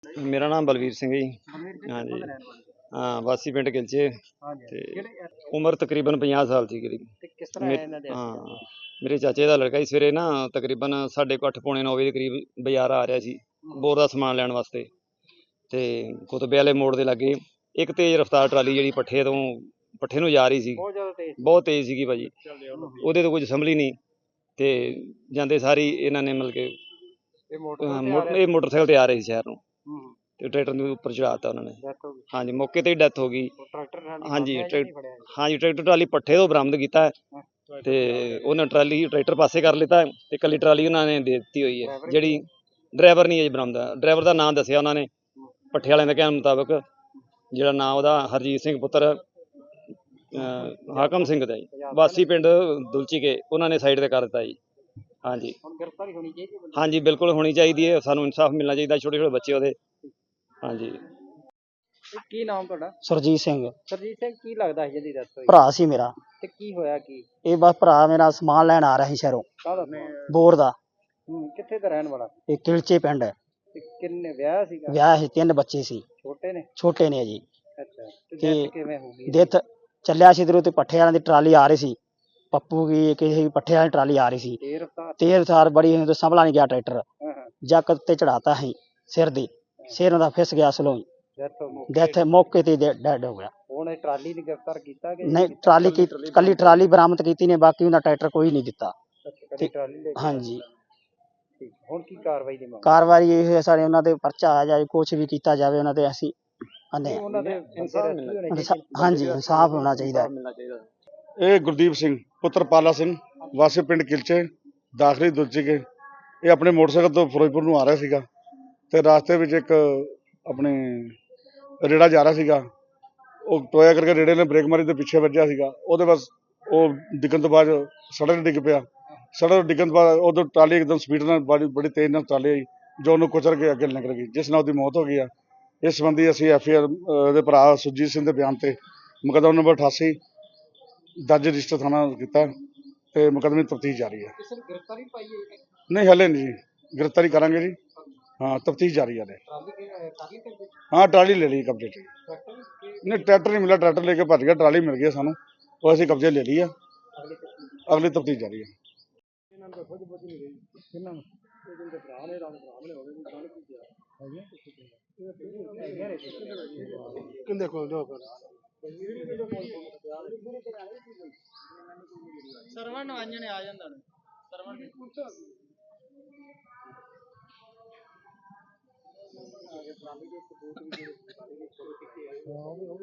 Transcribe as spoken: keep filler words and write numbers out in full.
ਮੇਰਾ ਨਾਮ ਬਲਵੀਰ ਸਿੰਘ ਜੀ। ਬਲਵੀਰ ਜੀ ਹਾਂਜੀ। ਕਿੱਥੋਂ ਦੇ ਰਹਿਣ ਵਾਲੇ? ਹਾਂ, ਵਾਸੀ ਪਿੰਡ ਗਿਲਚੇ ਹਾਂਜੀ ਤੇ ਕਿਹੜੇ ਉਮਰ ਤਕਰੀਬਨ ਪੰਜਾਹ ਸਾਲ ਸੀ ਕਰੀਬ। ਤੇ ਕਿਸ ਤਰ੍ਹਾਂ ਮੇ ਆਇਆ ਇਹਨਾਂ ਦੇ accident? ਹਾਂ, ਮੇਰੇ ਚਾਚੇ ਦਾ ਲੜਕਾ ਸੀ। ਸਵੇਰੇ ਨਾ ਤਕਰੀਬਨ ਸਾਢੇ ਕੁ ਅੱਠ ਪੌਣੇ ਨੌ ਵਜੇ ਦੇ ਕਰੀਬ ਬਾਜ਼ਾਰ ਆ ਰਿਹਾ ਸੀ ਬੋਰ ਦਾ ਸਮਾਨ ਲੈਣ ਵਾਸਤੇ, ਤੇ ਕੁਤਬੇ ਵਾਲੇ ਮੋੜ ਦੇ ਲਾਗੇ ਇੱਕ ਤੇਜ਼ ਰਫ਼ਤਾਰ ਟਰਾਲੀ ਜਿਹੜੀ ਪੱਠੇ ਤੋਂ ਪੱਠੇ ਨੂੰ ਜਾ ਰਹੀ ਸੀ, ਬਹੁਤ ਜ਼ਿਆਦਾ ਤੇਜ਼ ਸੀ। ਬਹੁਤ ਤੇਜ਼ ਸੀਗੀ ਭਾਜੀ। ਹੂੰ। ਉਹਦੇ ਤੋਂ ਕੁਝ ਸੰਭਲੀ ਨਹੀਂ ਤੇ ਜਾਂਦੇ ਸਾਰੀ ਇਹਨਾਂ ਨੇ ਮਤਲਬ ਕਿ ਇਹ ਅਹ, ਮੋਟਰਸਾਈਕਲ ਤੇ ਆ ਮੋ- ਰਿਹਾ ਇਹ ਮੋਟਰਸਾਈਕਲ ਤੇ ਆ ਰਹੇ ਸੀ ਸ਼ਹਿਰ ਨੂੰ, ਹੂੰ ਤੇ ਟਰੈਕਟਰ ਦੇ ਉੱਪਰ ਚੜਾਤਾ ਉਹਨਾਂ ਨੇ। ਡੈਥ ਹੋ ਗਈ। ਹਾਂਜੀ, ਮੌਕੇ ਤੇ ਹੀ ਡੈਥ ਹੋ ਗਈ। ਉਹ ਟਰੈਕਟਰ ਨਾਲ ਹਾਂਜੀ, ਨਹੀਂ ਟਰੈਕ- ਫੜਿਆ ਗਿਆ? ਹਾਂਜੀ, ਟਰੈਕਟਰ ਟਰਾਲੀ ਪੱਠੇ ਤੋਂ ਬਰਾਮਦ ਕੀਤਾ ਹੈ ਹਾਂ। ਤੇ ਉਹਨਾਂ ਟਰਾਲੀ ਟਰੈਕਟਰ ਪਾਸੇ ਕਰ ਲਿੱਤਾ ਹੈ ਤੇ ਕੱਲੀ ਟਰਾਲੀ ਉਹਨਾਂ ਨੇ ਦੇ ਦਿੱਤੀ ਹੋਈ ਹੈ। ਡਰਾਈਵਰ ਹੀ ਜਿਹੜੀ ਡਰਾਈਵਰ ਨਹੀਂ ਹੈ ਜੀ ਬਰਾਮਦ। ਡਰਾਈਵਰ ਦਾ ਨਾਮ ਦੱਸਿਆ ਉਹਨਾਂ ਨੇ ਪੱਠੇ ਵਾਲਿਆਂ ਦੇ ਕਹਿਣ ਮੁਤਾਬਕ, ਜਿਹੜਾ ਨਾਂ ਉਹਦਾ ਹਰਜੀਤ ਸਿੰਘ ਪੁੱਤਰ ਅਹ, ਹਾਕਮ ਸਿੰਘ ਦਾ ਜੀ, ਵਾਸੀ ਪਿੰਡ ਦੁਲਚੀ ਕੇ, ਉਹਨਾਂ ਨੇ ਸਾਈਡ ਤੇ ਕਰ ਦਿੱਤਾ ਜੀ। ਹਾਂਜੀ ਹੁਣ ਗ੍ਰਿਫਤਾਰੀ ਹੋਣੀ ਚਾਹੀਦੀ ਹੈ ਬੰਦੇ ਹਾਂਜੀ, ਬਿਲਕੁਲ ਹੋਣੀ ਚਾਹੀਦੀ ਹੈ। ਸਾਨੂੰ ਇਨਸਾਫ ਮਿਲਣਾ ਚਾਹੀਦਾ। ਛੋਟੇ ਛੋਟੇ ਬੱਚੇ ਉਹਦੇ। ਹਾਂਜੀ। ਦੀ। ਕੀ ਨਾਮ ਤੁਹਾਡਾ? ਸੁਰਜੀਤ ਸਿੰਘ ਸਰਜੀਤ ਸਿੰਘ, ਕੀ ਲੱਗਦਾ ਸੀ ਜਿਹਦੀ ਡੈਥ ਹੋਈ? ਭਰਾ ਸੀ ਮੇਰਾ। ਤੇ ਕੀ ਹੋਇਆ ਕੀ? ਇਹ ਬਸ ਭਰਾ ਮੇਰਾ ਸਮਾਨ ਲੈਣ ਆ ਰਿਹਾ ਸੀ ਸ਼ਹਿਰੋਂ, ਕਾਹਦਾ? ਬੋਰ ਦਾ। ਹੂੰ, ਕਿੱਥੇ ਦਾ ਰਹਿਣ ਵਾਲਾ? ਇਹ ਕਿਲਚੇ ਪਿੰਡ ਹੈ। ਤੇ ਕਿੰਨੇ ਵਿਆਹ ਸੀਗਾ? ਵਿਆਹ ਸੀ, ਤਿੰਨ ਬੱਚੇ ਸੀ, ਛੋਟੇ ਨੇ? ਛੋਟੇ ਨੇ ਜੀ। ਅੱਛਾ, ਤੇ ਤੇ death ਕਿਵੇਂ ਹੋ ਗਈ? ਦਿੱਤ ਚੱਲਿਆ ਸੀ ਇੱਧਰੋਂ ਤੇ ਪੱਠੇ ਵਾਲਿਆਂ ਦੀ ਟਰਾਲੀ ਆ ਰਹੀ ਸੀ, ਪੱਪੂ ਕੀ ਕਿਸੇ ਪੱਠੇ ਵਾਲੀ ਟਰਾਲੀ ਆ ਰਹੀ ਸੀ। ਤੇ ਰਫਤਾਰ? ਤੇਜ਼ ਰਫ਼ਤਾਰ ਬੜੀ ਸੀ, ਸੰਭਲਾ ਨਹੀਂ ਗਿਆ ਟਰੈਕਟਰ। ਹਾਂ ਹਾਂ। ਜੱਕ ਤੇ ਚੜਾਤਾ ਸੀ ਸਿਰ ਦੀ, ਸਿਰ ਦਾ ਫਿਸ ਗਿਆ ਸਲੋਂ ਹੀ। ਡੈਥ ਹੋ ਗਈ। ਡੈਥ ਮੌਕੇ ਤੇ ਡੈਡ ਹੋ ਗਿਆ। ਹੁਣ ਇਹ ਟਰਾਲੀ ਨੂੰ ਗ੍ਰਿਫਤਾਰ ਕੀਤਾ ਕਿ ਨਹੀਂ, ਟਰਾਲੀ ਕੀ ਕੱਲੀ ਟਰਾਲੀ ਬਰਾਮਦ ਕੀਤੀ ਨੇ, ਬਾਕੀ ਉਹਦਾ ਟਰੈਕਟਰ ਕੋਈ ਨਹੀਂ ਦਿੱਤਾ। ਅੱਛਾ, ਕੱਲੀ ਟਰਾਲੀ ਲੈ ਕੇ? ਹਾਂਜੀ। ਠੀਕ। ਹੁਣ ਕੀ ਕਾਰਵਾਈ ਦੀ ਮੰਗ? ਕਾਰਵਾਈ ਇਹ ਹੈ ਸਾਡੇ ਉਹਨਾਂ ਤੇ ਪਰਚਾ ਆ ਜਾਏ, ਕੁਛ ਵੀ ਕੀਤਾ ਜਾਵੇ ਉਹਨਾਂ ਤੇ। ਅਸੀਂ ਆਨੇ ਉਹਨਾਂ ਦੇ ਇਨਸਾਫ ਮਿਲਣਾ ਚਾਹੀਦਾ। ਹਾਂਜੀ, ਇਨਸਾਫ ਹੋਣਾ ਚਾਹੀਦਾ ਹੈ। ਮਿਲਣਾ ਚਾਹੀਦਾ। ਇਹ ਗੁਰਦੀਪ ਸਿੰਘ ਪੁੱਤਰ ਪਾਲਾ ਸਿੰਘ ਵਾਸੀ ਪਿੰਡ ਕਿਲਚੇ ਦਾਖਲੀ ਦੁਲਚੀ ਕੇ, ਇਹ ਆਪਣੇ ਮੋਟਰਸਾਈਕਲ ਤੋਂ ਫਿਰੋਜ਼ਪੁਰ ਨੂੰ ਆ ਰਿਹਾ ਸੀਗਾ ਤੇ ਰਾਸਤੇ ਵਿੱਚ ਇੱਕ ਆਪਣੇ ਰੇੜਾ ਜਾ ਰਿਹਾ ਸੀਗਾ। ਉਹ ਟੋਇਆ ਕਰਕੇ ਰੇੜੇ ਨੇ ਬ੍ਰੇਕ ਮਾਰੀ ਤੇ ਪਿੱਛੇ ਵੱਜਿਆ ਸੀਗਾ। ਉਹਦੇ ਬਸ ਉਹ ਡਿੱਗਣ ਤੋਂ ਬਾਅਦ ਸੜਕ 'ਤੇ ਡਿੱਗ ਪਿਆ। ਸੜਕ 'ਤੇ ਡਿੱਗਣ ਤੋਂ ਬਾਅਦ ਉਦੋਂ ਟਰਾਲੀ ਇੱਕਦਮ ਸਪੀਡ ਨਾਲ ਬੜੀ ਬੜੀ ਤੇਜ਼ ਨਾਲ ਟਰਾਲੀ ਆਈ, ਜੋ ਉਹਨੂੰ ਕੁਚਲ ਕੇ ਅੱਗੇ ਨਿਕਲ ਗਈ, ਜਿਸ ਨਾਲ ਉਹਦੀ ਮੌਤ ਹੋ ਗਈ ਆ। ਇਸ ਸੰਬੰਧੀ ਅਸੀਂ ਐਫ ਆਈ ਆਰ ਦੇ ਭਰਾ ਸੁਰਜੀਤ ਸਿੰਘ ਦੇ ਬਿਆਨ ਤੇ ਮੁਕੱਦਮਾ ਨੰਬਰ ਅਠਾਸੀ ਦਰਜ ਰਜਿਸਟਰ ਥਾਣਾ ਕੀਤਾ ਤੇ ਮੁਕੱਦਮੇ ਦੀ ਤਫਤੀਸ਼ ਜਾਰੀ ਹੈ। ਕਿਸੇ ਨੂੰ ਗ੍ਰਿਫਤਾਰੀ ਪਾਈ ਹੈ? ਨਹੀਂ, ਹਲੇ ਨਹੀਂ ਜੀ, ਗ੍ਰਿਫਤਾਰੀ ਕਰਾਂਗੇ ਜੀ। ਹਾਂ, ਤਫਤੀਸ਼ ਜਾਰੀ ਹੈ ਹਲੇ। ਟਰਾਲੀ ਕਿ ਟਰਾਲੀ ਤੇ ਹਾਂ, ਟਰਾਲੀ ਲੈ ਲਈ ਕਬਜ਼ੇ 'ਚ। ਟਰੈਕਟਰ ਵੀ? ਨਹੀਂ, ਟਰੈਕਟਰ ਨਹੀਂ ਮਿਲਿਆ, ਟਰੈਕਟਰ ਲੈ ਕੇ ਭੱਜ ਗਿਆ। ਟਰਾਲੀ ਮਿਲ ਗਈ ਸਾਨੂੰ, ਉਹ ਅਸੀਂ ਕਬਜ਼ੇ ਲੈ ਲਈ ਆ। ਅਗਲੇ ਕਿਸਮ ਅਗਲੀ ਤਫਤੀਸ਼ ਜਾਰੀ ਹੈ। ਇਹਨਾਂ ਨੂੰ ਖੁਦ ਬੁੱਝ ਨਹੀਂ ਰਹੀ। ਕਿੰਨਾਂ ਨੂੰ? ਇਹ ਜਿਹੜੇ ਭਰਾ ਨੇ ਰਾਮ ਭਰਾ ਨੇ ਹੋਵੇ ਜਾਣ ਕੀ ਕਿਹਾ ਹੈ? ਕਿੰਦੇ ਕੋਲ ਦੋ ਕਰ ਸਰਵਣ ਨਵਾਈਆਂ ਨੇ ਆ ਜਾਂਦਾ ਨੇ ਸਰਵਣ